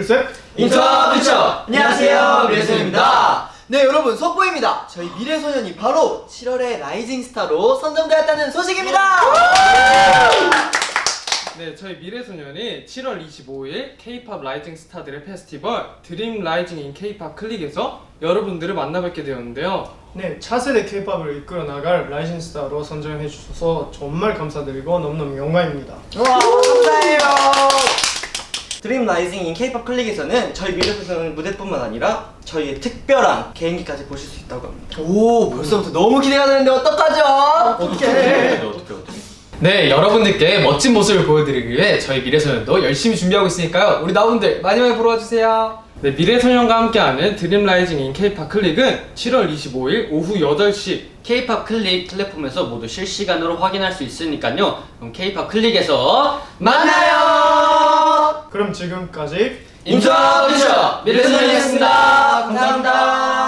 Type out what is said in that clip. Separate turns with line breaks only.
셋.
인터 퓨처! 안녕하세요, 미래소년입니다.
네, 여러분, 속보입니다. 저희 미래소년이 바로 7월에 라이징 스타로 선정되었다는 소식입니다.
네, 저희 미래소년이 7월 25일 K-POP 라이징 스타들의 페스티벌 드림 라이징 인 K-POP 클릭에서 여러분들을 만나뵙게 되었는데요.
네, 차세대 K-팝을 이끌어 나갈 라이징 스타로 선정해 주셔서 정말 감사드리고 너무너무 영광입니다.
와, 감사해요. 드림 라이징 인 K-POP 클릭에서는 저희 미래소년 무대뿐만 아니라 저희의 특별한 개인기까지 보실 수 있다고 합니다. 오, 벌써부터 너무 기대가 되는데 어떡하죠?
어떻게?
네, 여러분들께 멋진 모습을 보여드리기 위해 저희 미래소년도 열심히 준비하고 있으니까요. 우리 나분들 많이 많이 보러 와주세요. 네, 미래소년과 함께하는 드림 라이징 인 K-POP 클릭은 7월 25일 오후 8시
K-POP 클릭 플랫폼에서 모두 실시간으로 확인할 수 있으니까요. 그럼 K-POP 클릭에서 만나요!
그럼 지금까지
인터 퓨처 미래소년이었습니다. 감사합니다.